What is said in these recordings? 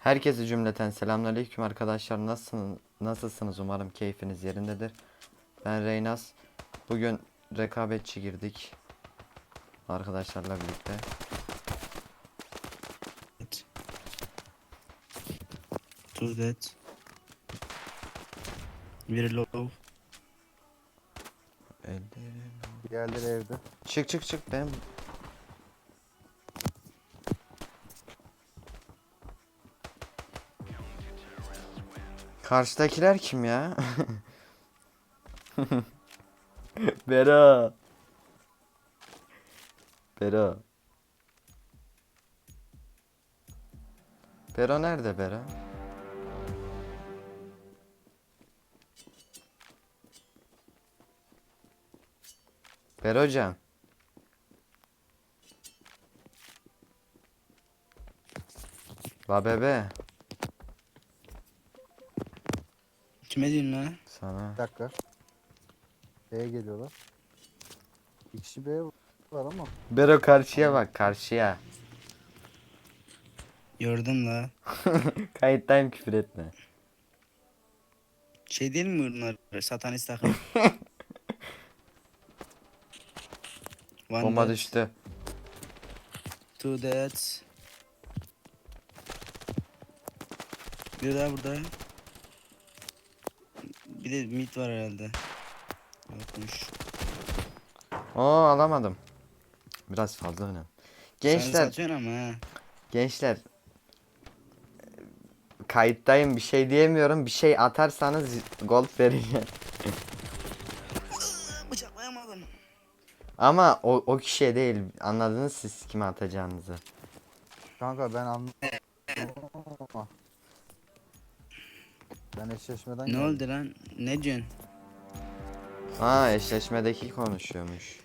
Herkese cümleten selamünaleyküm arkadaşlar. Nasılsınız? Umarım keyfiniz yerindedir. Ben Reynaz. Bugün rekabetçi girdik arkadaşlarla birlikte. Evet. Tuz dead. Very low. Diğerleri evde. Çık benim. Karşıdakiler kim ya? Bera. Bera. Bera nerede Bera? Bera hocam. La bebe. Kime diyorsun lan? Sana. Bir dakika. B'ye geliyorlar. Bir kişi B var ama. Bera karşıya bak karşıya. Gördüm la. Kayıttayım, küfür etme. Şey değil mi bunlar? Satanist takım. One Bomba dead. düştü. Two dead. Bir daha burada. Bir de mid var herhalde. Yokmuş. Oo, alamadım. Biraz fazla önemli. Sen Gençler, satıyorsun ama ha. gençler. Kayıttayım, bir şey diyemiyorum. Bir şey atarsanız gold vereceğim. Bıçaklayamadım. Ama o kişiye değil. Anladınız siz kime atacağınızı. Kanka ben anlamadım ama. Ben eşleşmeden Ne geldim. oldu lan? Ne diyorsun? Aa, eşleşmedeki konuşuyormuş.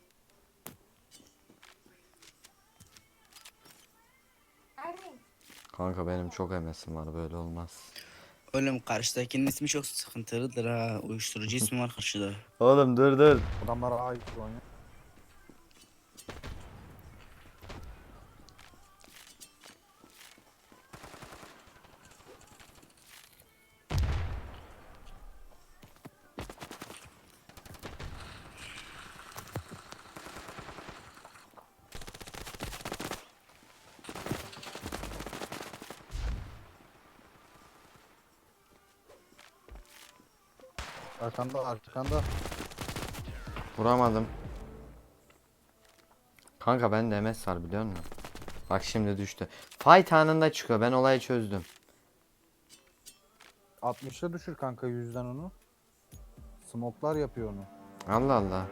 Kanka benim çok hemesim var, böyle olmaz. Oğlum karşıdakinin ismi çok sıkıntılıdır ha. Uyuşturucu ismi var karşıda. Oğlum dur. Adamlar A oynuyor. Arkanda. Vuramadım. Kanka bende MS var, biliyor musun? Bak şimdi düştü. Fight anında çıkıyor. Ben olayı çözdüm. 60'a düşür kanka yüzden onu. Smoklar yapıyor onu. Allah Allah.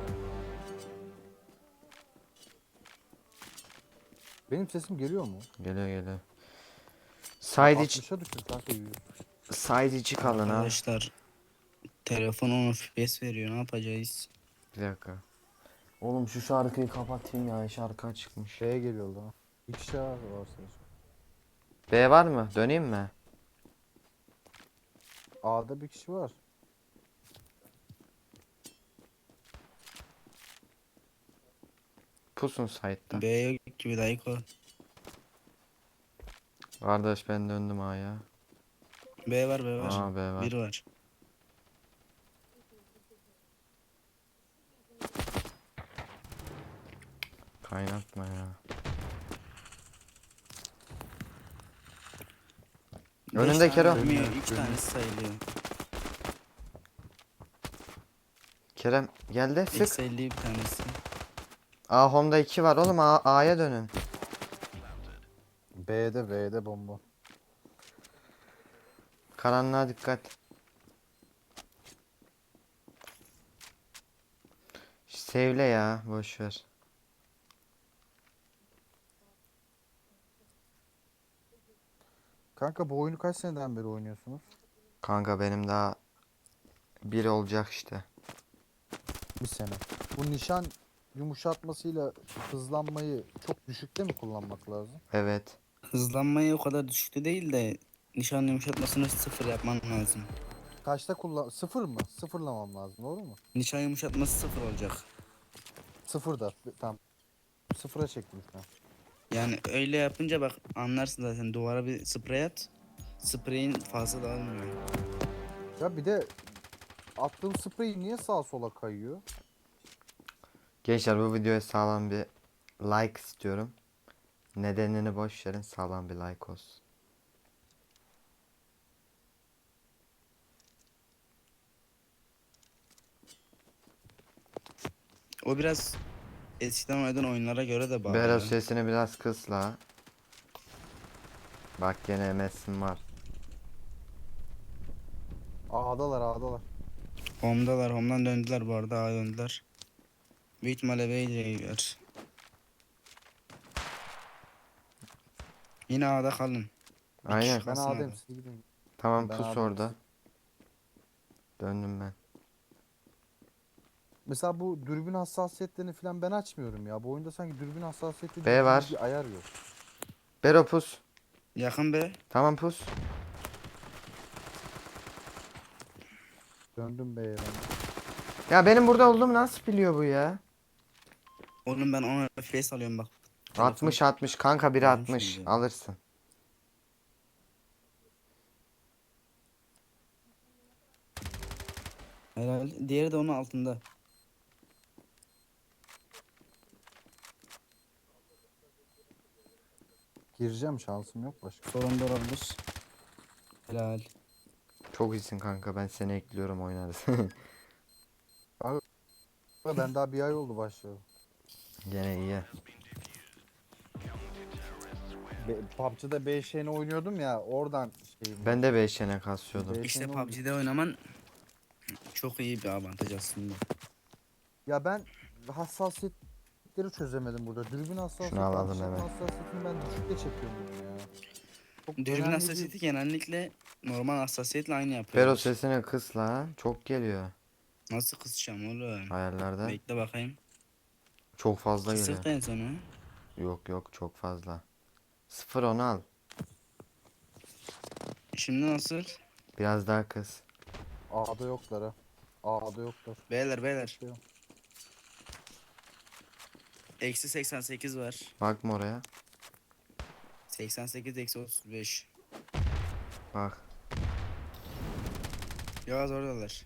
Benim sesim geliyor mu? Geliyor. Side içi, 60'a düşür kanka 100. side içi kalın ha. Arkadaşlar telefon 10 FPS veriyor, ne yapacağız? Bir dakika. Oğlum şu şarkıyı kapatayım ya. Şarkı çıkmış. B'ye geliyorlar. Bir kişi daha var sadece. B var mı? Döneyim mi? A'da bir kişi var. Pusun side'da. B yok gibi dayıko. Kardeş ben döndüm A'ya. B var B var. Aa, B var. Bir var. Kaynatma ya. Önünde Beş tane Kero. ölmüyor, 3 tanesi sayılıyor. Kerem geldi. Sık. Eksi 50 bir tanesi. A home'da 2 var oğlum. A'ya dönün. B'de bomba. Karanlığa dikkat. Sevle ya. Boş ver. Kanka bu oyunu kaç seneden beri oynuyorsunuz? Kanka benim daha bir olacak işte. Bir sene. Bu nişan yumuşatmasıyla hızlanmayı çok düşükte mi kullanmak lazım? Evet. Hızlanmayı o kadar düşükte değil de nişan yumuşatmasını sıfır yapman lazım. Kaçta kullan? Sıfır mı? Sıfırlamam lazım, doğru mu? Nişan yumuşatması sıfır olacak. Sıfırda. Tamam. Sıfıra çektim şu an. Yani öyle yapınca bak anlarsın zaten, duvara bir sprey at. Spreyin fazla dağılmıyor. Ya bir de attığım sprey niye sağa sola kayıyor? Gençler bu videoya sağlam bir like istiyorum. Nedenini boş verin, sağlam bir like olsun. O biraz eskiden oynadığın oyunlara göre de bağlı Berat ya. sesini biraz kıs la. Bak gene MS'in var. A'dalar A'dalar. Home'dalar. Home'dan döndüler bu arada. A'ya döndüler. Büyük ihtimalle B'ye. Yine A'da kalın. Bir kişi Aynen. Ben kalsın A'dayım A'da. siz gidin. Tamam Ben pus A'dayım orada. Döndüm ben. Mesela bu dürbün hassasiyetlerini falan ben açmıyorum ya. Bu oyunda sanki dürbün hassasiyeti B gibi var. bir ayar yok. Bero pus. Yakın be. Tamam pus. Döndüm B'ye ben. Ya benim burada olduğumu nasıl biliyor bu ya? Oğlum ben 10 FPS alıyorum bak. Telefon 60 kanka biri aldım 60 şimdi. alırsın. Herhalde. Diğeri de onun altında. Gireceğim şansım yok başka. Sorun da olabilir. Helal. Çok iyisin kanka, ben seni ekliyorum, oynarız. Abi ben daha bir ay oldu başlayalı. Gene iyi. PUBG'da BŞ'ni oynuyordum ya oradan şeyim Ben var. de 5 yene kasıyordum. İşte BŞ'ni PUBG'de oynaman çok iyi bir avantaj aslında. Ya ben hassasiyetleri çözemedim burada. Dürbün Şunu hassasiyeti, alalım atış yapma hemen. hassasiyetini ben düşükte çekiyorum bunu ya. Çok Dürbün önemli hassasiyeti genellikle normal hassasiyetle aynı Bero yapıyorlar. sesini kıs la. Çok geliyor. Nasıl kısacağım oğlum? Ayarlarda. Bekle bakayım. Çok fazla geliyor. Kısık da en sonu. Yok yok, çok fazla. 0 onu al. Şimdi nasıl? Biraz daha kıs. A'da yoklar ha. A'da yoklar. Beyler. Bekliyorum. Eksi 88 var. Bakma oraya. 88 eksi 35. Bak. Yaz oradalar.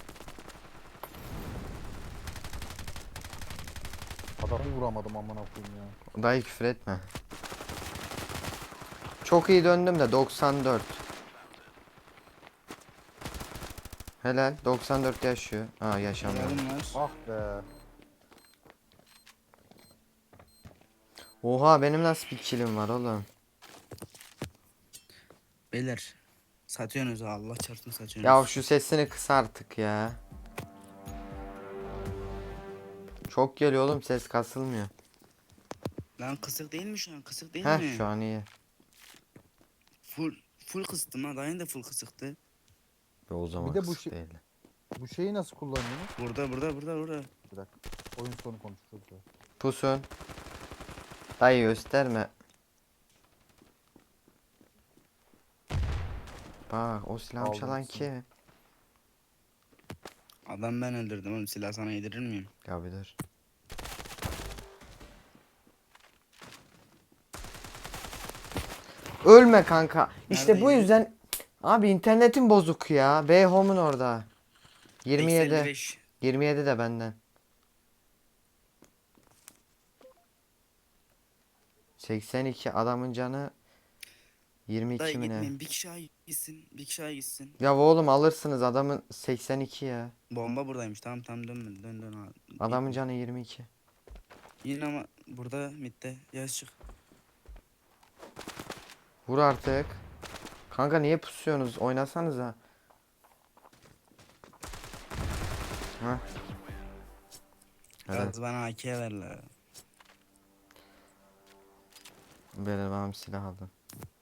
Adamı vuramadım amına koyayım ya. Dayı küfür etme. Çok iyi döndüm de 94. Helal. 94 yaşıyor. Ha, yaşamıyor. Yardım var. Ah be. Oha, benim nasıl bir killim var oğlum? Beyler. Satıyorsunuz ha, Allah çarpsın Ya satıyorsunuz. şu sesini kıs artık ya. Çok geliyor oğlum, ses kasılmıyor. Lan kısık değil mi şu an? Kısık değil Heh, mi? şu an iyi. Full kıstım ha. Daha yeni de full kısıktı. Ve o zaman Bir de kısık değil. bu şeyi nasıl kullanıyorsunuz? Burada. Bir dakika. Oyun sonu konuşuruz ya. Pusun. Dayı gösterme. Bak, o silahı Aldım çalan ikisini. kim? Adam ben öldürdüm oğlum. Silah sana yedirir miyim? Ya bir dur. Ölme kanka. İşte Nerede bu ya? yüzden abi internetin bozuk ya. B Home'un orada. Eksi 27. 55. 27 de benden. 82 adamın canı 22 Dayı mi ne? gitmeyin. Bir kişi daha gitsin. Bir kişi daha gitsin. Ya oğlum alırsınız, adamın 82 ya. Bomba buradaymış. Tamam dön ha. Adamın canı 22. Yine ama burada midde. Yaz çık. Vur artık. Kanka niye pusuyorsunuz? Oynasanıza. Ha. Hadi. Yaz bana AK ver la. Böyle bana bir silah aldım.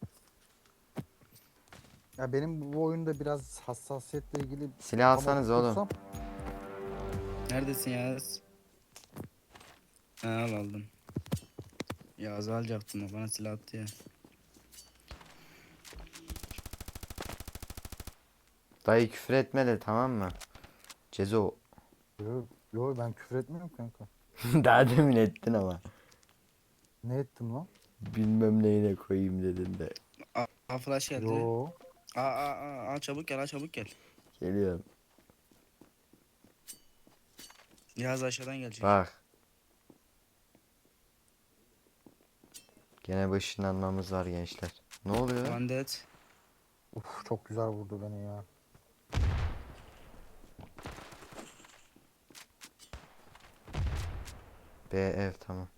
Ya benim bu oyunda biraz hassasiyetle ilgili Silah tam alsanız oğlum. oturtsam Neredesin Yaz? Ha, aldım. Yaz'ı alacaktım o bana silah attı ya. Dayı küfür etme de, tamam mı? Cezo. yo ben küfür etmiyorum kanka. Daha demin ettin ama. Ne ettim lan? Bilmem neyine koyayım dedim de. A flash geldi. Yo. Çabuk gel, çabuk gel. Geliyorum. Yaz aşağıdan gelecek. Bak. Gene bir ışınlanmamız var gençler. Ne oluyor? One dead. Uf, çok güzel vurdu beni ya. B ev tamam.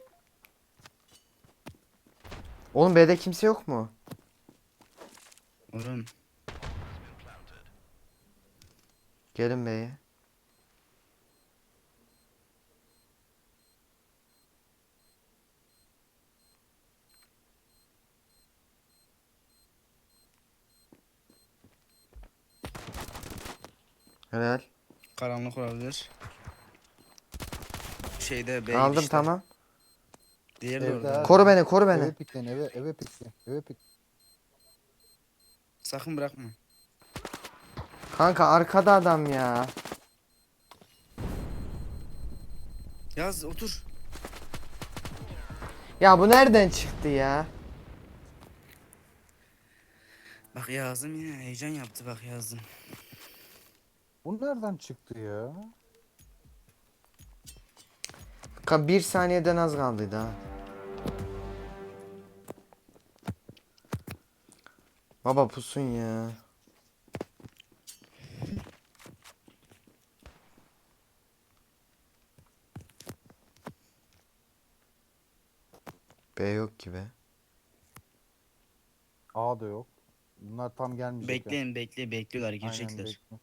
Oğlum B'de kimse yok mu? Oğlum. Gelin B'ye. Helal. Karanlık olabilir. Şeyde B Aldım girişte. tamam. Diğeri de Evde orada. ha. Koru beni, koru beni. Eve pikleyin, eve pikleyin. Eve pik. Sakın bırakma. Kanka arkada adam ya. Yaz otur. Ya bu nereden çıktı ya? Bak yazdım yine heyecan yaptı bak yazdım. Bu nereden çıktı ya? Bir saniyeden az kaldıydı ha. Baba pusun ya. B yok ki be. A da yok. Bunlar tam gelmeyecek ya. Bekliyorlar Aynen, girecekler. bekle.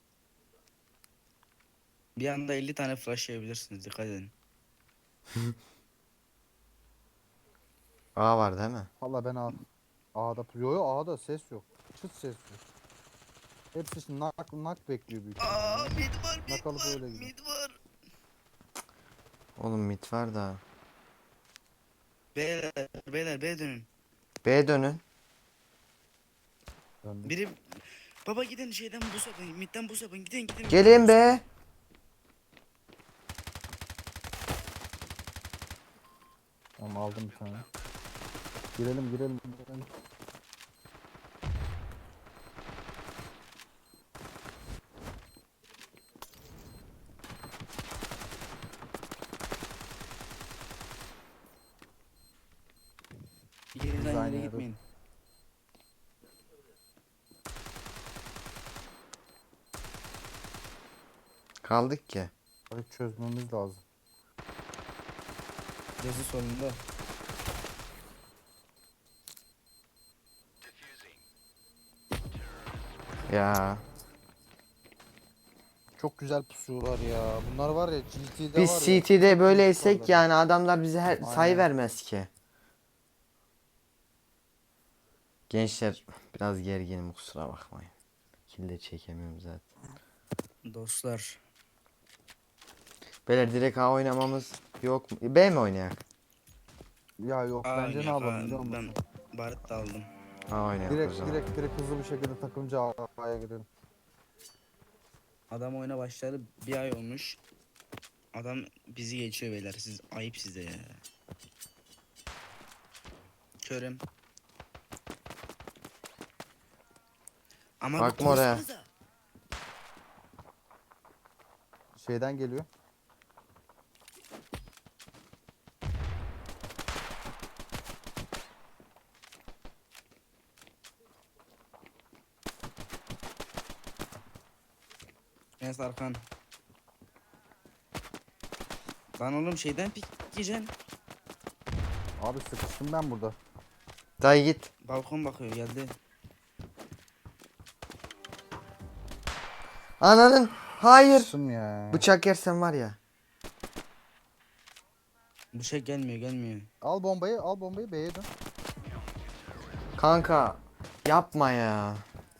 Bir anda 50 tane flash yiyebilirsiniz dikkat edin. A var değil mi? Valla ben A'da yo A'da ses yok. Çıt ses yok. Hepsi şimdi nak bekliyor büyük ihtimalle. Mid var Nak alıp öyle gidiyor. mid var. Oğlum mid var da. Beyler B dönün. B dönün. Döndük. Biri baba gidin şeyden buz yapın midden buz yapın gidin. Gelin be. Tamam, aldım bir tane. Girelim. Yerden aynı yere yere. gitmeyin. Kaldık ki. Burayı çözmemiz lazım. Yazı solunda. Ya. Çok güzel pusuyorlar ya. Bunlar var ya GT'de Biz var ya. CT'de böyleysek pusuyorlar. yani adamlar bize sayı Aynen. vermez ki. Gençler biraz gerginim kusura bakmayın. Kill de çekemiyorum zaten. Dostlar. Beyler direkt A oynamamız yok mu? B mi oynayak? Ya yok, bence ne yapalım biliyor musun? Ben barit de aldım. A oynayak o zaman. Direkt hızlı bir şekilde takımcı A'ya gidelim. Adam oyuna başladı bir ay olmuş. Adam bizi geçiyor beyler siz ayıp size ya. Körüm. Ama Bakma oraya. konuşsanıza. Şeyden geliyor. Enes Arkan. Lan oğlum şeyden pik yiyeceksin. Abi sıkıştım ben burada. Dayı git. Balkon bakıyor geldi. Ananın. Hayır. Sıkıştım ya. Bıçak yersen var ya. Bu şey gelmiyor. Al bombayı B'ye dön. Kanka. Yapma ya.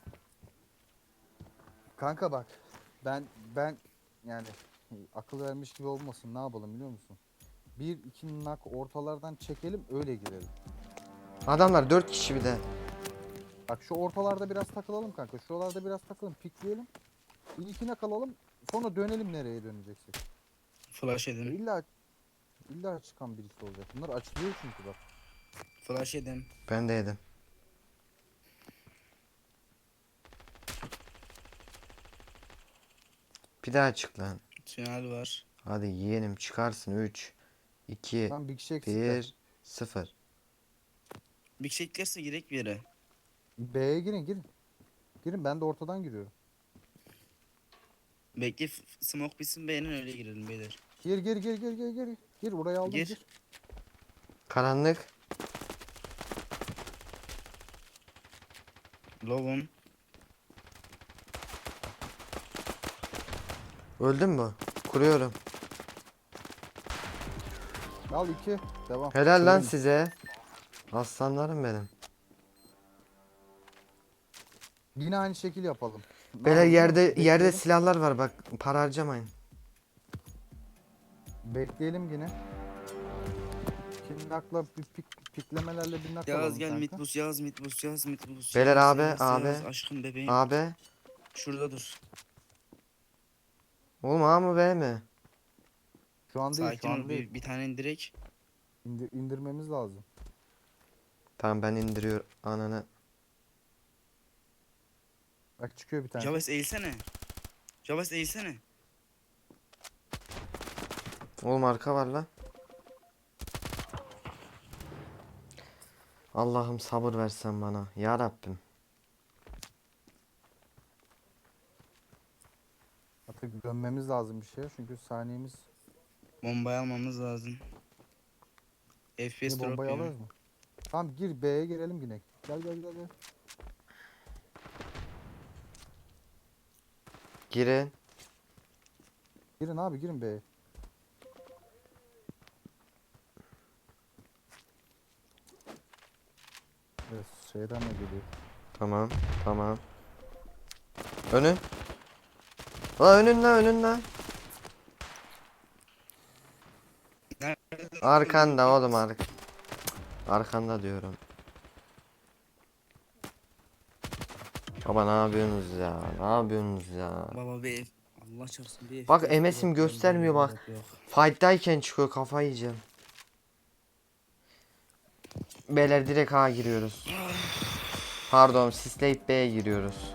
Kanka bak. Ben yani akıl vermiş gibi olmasın, ne yapalım biliyor musun? 1-2 nak ortalardan çekelim, öyle girelim. Adamlar 4 kişi bir de. Bak şu ortalarda biraz takılalım kanka. Şuralarda biraz takılalım, pikleyelim. Bir iki nak alalım. Sonra dönelim nereye döneceksek. Flash edin. İlla çıkan birisi olacak. Bunlar açılıyor çünkü bak. Flash yedim. Ben de yedim. Bir daha çık lan. Tünel var. Hadi yeğenim çıkarsın. 3, 2, Lan bir kişi eksikler. 1, 0. Bir şey eklerse girek bir yere. B'ye girin girin. Girin, ben de ortadan giriyorum. Bekle smoke bitsin beğenin öyle girelim beyler. Gir gir gir gir gir gir. Gir, orayı aldım, Gir. gir. Karanlık. Lovum. Öldün mü? Kuruyorum. Al 2. Devam. Helal lan Şöyle- size. Aslanlarım benim. Yine aynı şekil yapalım. Ne Beyler yapalım biliyor musun? yerde Bekleyelim. silahlar var bak. Para harcamayın. Bekleyelim yine. Kinnakla piklemelerle bir nak Yağız alalım gel kanka. mitbus Yağız mitbus Yağız mitbus. Beyler Yağız, abi, Yağız, abi. Yağız, aşkım bebeğim. Abi. Şurada dur. Oğlum A mı B mi? Şu an değil, Sakin şu an ol değil. bir tane indirek. İndirmemiz lazım. Tamam ben indiriyorum ananı. Bak çıkıyor bir tane. Javas eğilsene. Javas eğilsene. Oğlum arka var lan. Allah'ım sabır versen bana. Ya Rabbim. Artık dönmemiz lazım bir şey çünkü saniyemiz. Bombayı almamız lazım. FPS Yine drop bombayı yiyor. alırız mı? Tamam gir, B'ye girelim yine. Gel gel gel gel. Girin. Girin abi, girin B'ye. Evet, şeyden de geliyor. Tamam. Tamam. Önün. La önün la önün la. Nerede? Arkanda oğlum arkanda diyorum. Baba ne yapıyorsunuz ya? Ne yapıyorsunuz ya? Baba bir Allah çarpsın bir Bak, FPS MS'im drop göstermiyor yiyor, bak. drop yok. Fight'tayken çıkıyor, kafayı yiyeceğim. Beyler direkt A giriyoruz. Pardon, sisleyip B'ye giriyoruz.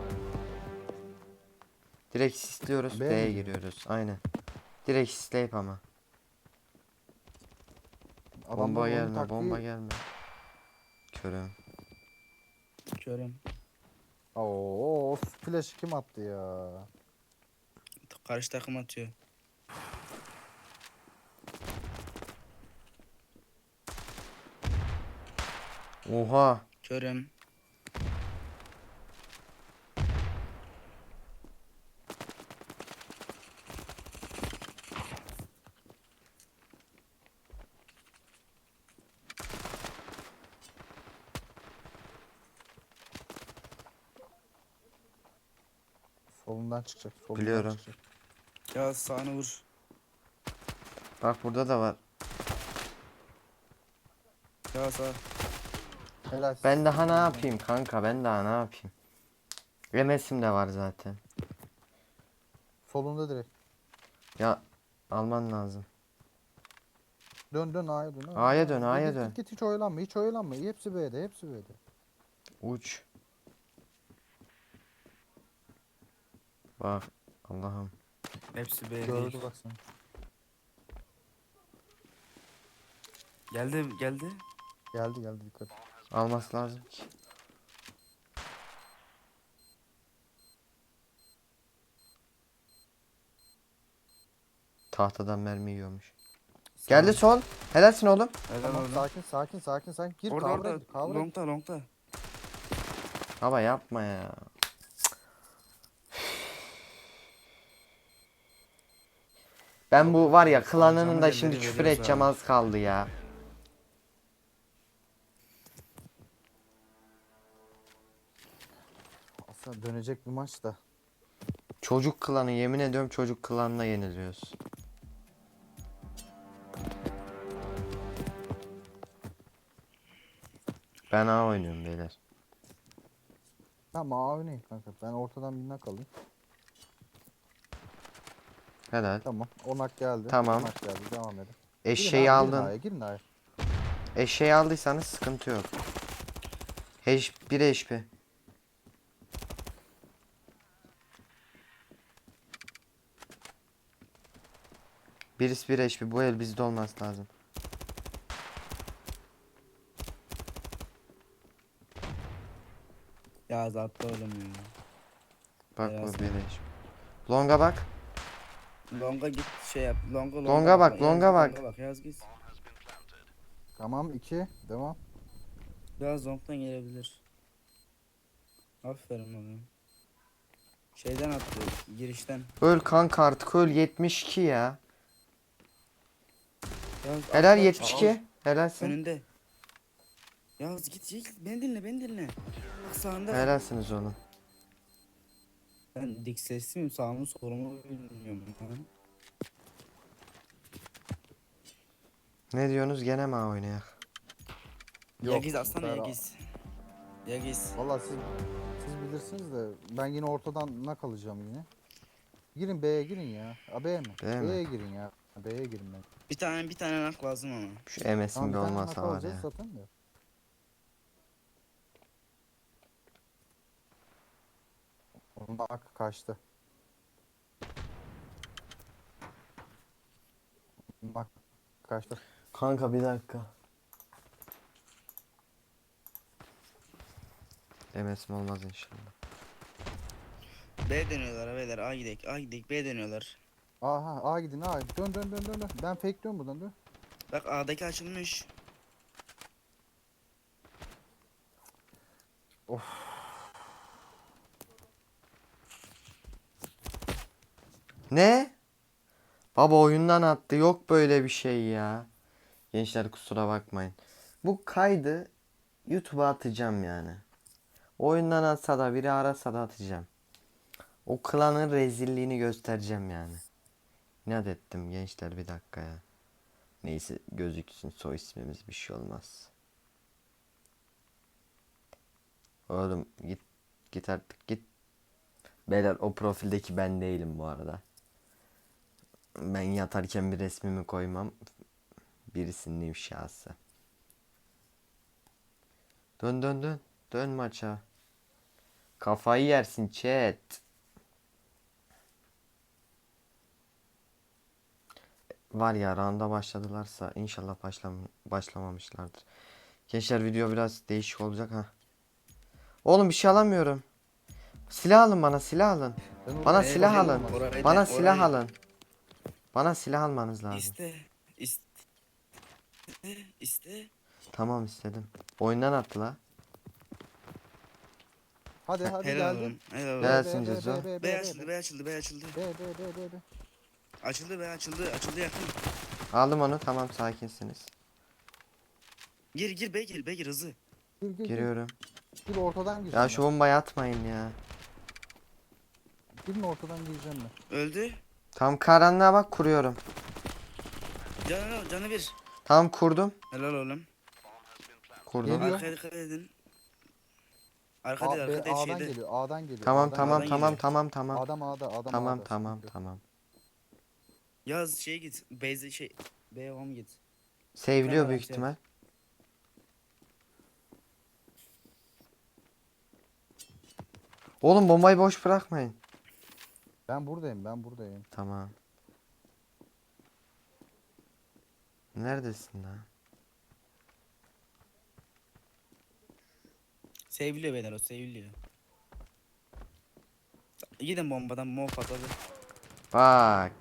Direkt sisliyoruz, B mi B'ye diyor? giriyoruz. Aynen. Direkt sisleyip ama. Bomba Adamların oyun gelme, taktiği. bomba gelme. Körüm. Körüm. Oo, flash kim attı ya? Karşı takım atıyor. Oha. Körüm. Solundan çıkacak. Solundan Biliyorum. çıkacak. Ya sağını vur. Bak burada da var. Ya sağ. Helal. Ben daha ne yapayım kanka, ben daha ne yapayım? MS'im de var zaten. Solunda direkt. Ya alman lazım. Dön dön A'ya dön. A'ya dön, Git, A'ya git, dön. Git, git, hiç oyalanma, hiç oyalanma. Hepsi B'de, hepsi B'de. Uç. Bak Allah'ım. Hepsi B Gördü değil. bak sen. Geldi geldi. Geldi geldi, dikkat. Alması lazım ki. Tahtadan mermi yiyormuş. Geldi sol. Helalsin oğlum. Helal Tamam, orada. sakin sakin sakin sakin. Gir, Orada kavra orada. gir, kavra gir. Longta longta. Baba yapma ya. Ben bu var ya klanının da Harcama şimdi yerleri küfür veriyoruz edeceğim, abi. az kaldı ya. Aslında dönecek bir maç da. Çocuk klanı, yemin ediyorum çocuk klanına yeniliyoruz. Ben A oynuyorum beyler. Tamam, A oynayın kanka. Ben ortadan bir nak alayım. Helal. Tamam. Onak geldi. Tamam. Onak geldi. Devam edin. Eşeği Girin aldın. A'ya, girin A'ya. Eşeği aldıysanız sıkıntı yok. 1 HP. Birisi 1 HP. Bu el bizde olması lazım. Ya zaten oğlum ya. Bak Beyaz bu 1 HP. Longa bak. Longa git şey yap. Longa bak, Yaz longa git, bak. Longa bak yaz git. Tamam 2. Devam. Biraz long'dan gelebilir. Aferin oğlum. Şeyden attı girişten. Öl kanka artık öl 72 ya. Yaz, Helal atla, 72. Helalsin. önünde. Yaz git git beni dinle. Bak sağında. Helalsiniz oğlum. Ben dik sesliyim sağımı solumu bilmiyorum. Lan. Ne diyorsunuz gene mi oynayak? Yagiz bu aslan sefer- Yagiz. Yagiz. Vallahi siz bilirsiniz de ben yine ortadan nak alacağım yine. Girin B'ye girin ya. A B'ye mi? B'ye mi? B'ye girin ya. B'ye girin ben. Bir tane nak lazım ama. Şu MS'in Tamam bir bir tane nak olmasa var alacağız ya. zaten de. Onun nak kaçtı. Nak kaçtı. Kanka bir dakika. MS'im olmaz inşallah. B dönüyorlar beyler A gidek B dönüyorlar. Aha A gidin A. Dön. Ben fake dön buradan dön. Bak A'daki açılmış. Ne? Baba oyundan attı. Yok böyle bir şey ya. Gençler kusura bakmayın. Bu kaydı YouTube'a atacağım yani. Oyundan atsa da biri arasa da atacağım. O klanın rezilliğini göstereceğim yani. İnat ettim gençler bir dakika ya. Neyse gözüksün soy ismimiz bir şey olmaz. Oğlum git artık git. Beyler o profildeki ben değilim bu arada. Ben yatarken bir resmimi koymam. Birisinin ifşası. Dön. Dön maça. Kafayı yersin chat. Var ya rounda başladılarsa inşallah başlamamışlardır. Gençler video biraz değişik olacak ha. Oğlum bir şey alamıyorum. Silah alın bana silah alın. Ben Bana oraya- silah oraya alın. olmaz. Bana silah orayı- alın. Bana silah almanız lazım. İste. Tamam istedim. Oyundan attı la. Hadi Helal geldim. oğlum. Helal oğlum. Gelsin Cezo. B açıldı B açıldı. B. Açıldı B açıldı yakın. Aldım onu tamam sakinsiniz. Gir B gir hızlı. Gir. Giriyorum. Gir ortadan gireceğim. Ya şu bombayı atmayın ya. Girin ortadan gireceğim ben. Öldü. Tam karanlığa bak kuruyorum. Canı bir. Tam kurdum. Helal oğlum. Kurdum. Geliyor. Arkaya dikkat edin. Arka değil arka değil A'dan şeyde. geliyor. A'dan geliyor. Tamam A'dan tamam A'dan tamam geliyor. tamam tamam. Adam A'da. Tamam A'da. tamam Sıkıntı yok. tamam. Yaz şeye git. Beyze şey. B'ye home git. Seviliyor Tamam, büyük şey. ihtimal. Oğlum bombayı boş bırakmayın. Ben buradayım. Tamam. Neredesin lan? Seviliyor beyler o seviliyor. Gidin bombadan bomba patladı. Bak.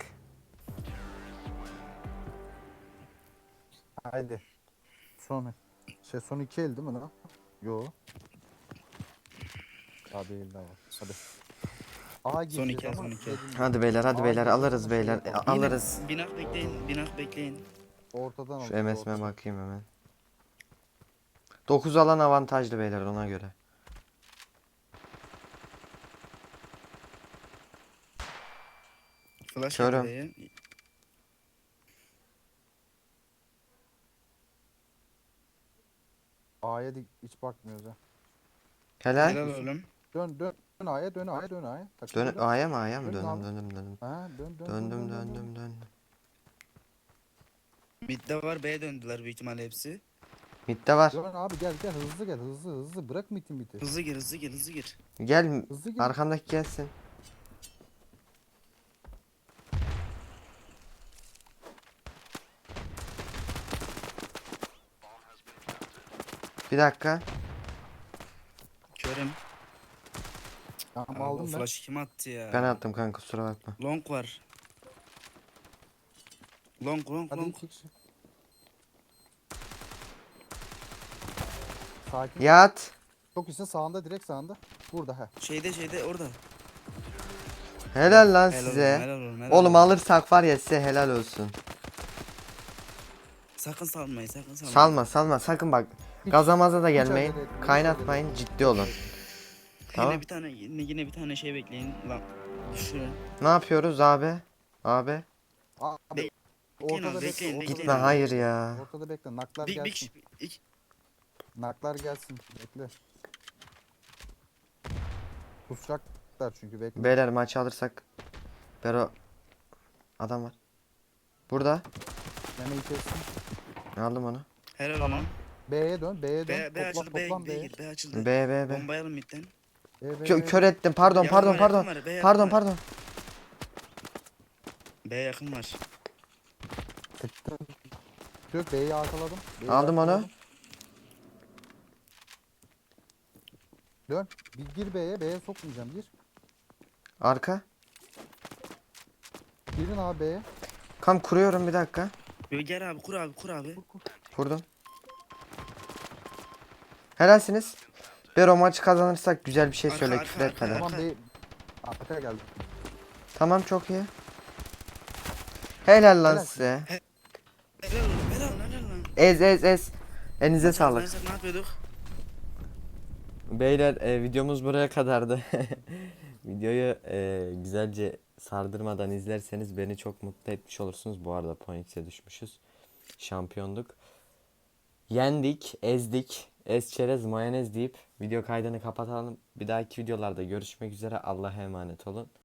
Haydi. Son 2 el değil mi lan? Yo. Daha değil daha var. Hadi. A gireceğiz iki, ama son iki. dediğim gibi Hadi beyler hadi A beyler gireceğiz alırız ama şey beyler. yapalım. Alırız. Binak bekleyin. Ortadan Şu alacağız, MS'ime ortadan. bakayım hemen. 9 alan avantajlı beyler ona göre. Flash Körüm. B'ye. A'ya hiç bakmıyoruz ha. Helal. Helal oğlum. Dön A'ya. Takım Dön dön. A'ya mı A'ya mı? Dönün abi. Döndüm. Ha dön. Döndüm. Mid'de var B'ye döndüler büyük ihtimalle hepsi. Mid'de var. Dön abi, gel gel, hızlı gel, hızlı hızlı, bırak mitin biti. Hızlı gir hızlı gir hızlı gir. Gel Hızlı gel. arkamdaki gelsin. Bir dakika. Körüm. Tamam Abi o aldım ben. flash'ı kim attı ya? Ben attım kanka, kusura bakma. Long var. Long long Hadi long. iki kişi. Sakin. Yat. Çok ise sağında, direkt sağında. Burada he. Şeyde orada. Helal lan Helal size. olsun, helal olsun, helal Oğlum olsun. alırsak var ya, size helal olsun. Sakın salmayın sakın salmayın. Salma salma sakın bak. Hiç- Gaza maza da hiç gelmeyin. acele etmeyin, hiç Kaynatmayın, acele ciddi olun. Tamam. Yine bir tane şey bekleyin lan. Şu. Ne yapıyoruz abi? Abi. Abi Bekleyin ortada abi, bekle. bekleyin, Ortada bekleyin Gitme, abi. hayır ya. Ortada bekle. Naklar Bir gelsin. kişi. Naklar gelsin. Bekle. Kusacaklar çünkü, bekle. Beyler maçı alırsak. Bero. Adam var. Burada. Yemeği kessin. Aldım onu. Helal tamam. B'ye dön. B'ye dön. B açıldı. Toplam B B'ye. gir. B açıldı. B. Bombayalım midden. Kör ettim. Pardon Yakın pardon var, pardon. yakın var, B yakın Pardon var. pardon. B yakın var. Yok, B'yi arkaladım. B'yi Aldım onu. arkaladım. Dön. Bir gir B'ye. B'ye sokmayacağım. Gir. Arka. Girin abi B'ye. Kam kuruyorum, bir dakika. Yo, gel abi kur abi kur abi. Kurdum. Helalsiniz. Bero, maçı kazanırsak güzel bir şey Arka, söyle, arka, küfür arka, etmeden. arka. Tamam, B. Arka geldi. Tamam, çok iyi. Helal lan Helal. size. Helal olsun, helal lan, helal lan. Ez. Elinize Maç sağlık. kazanırsak ne yapıyorduk? Beyler, videomuz buraya kadardı. Videoyu güzelce sardırmadan izlerseniz beni çok mutlu etmiş olursunuz. Bu arada Phoenix'e düşmüşüz. Şampiyonduk. Yendik, ezdik. Ez çerez mayonez deyip video kaydını kapatalım. Bir dahaki videolarda görüşmek üzere. Allah'a emanet olun.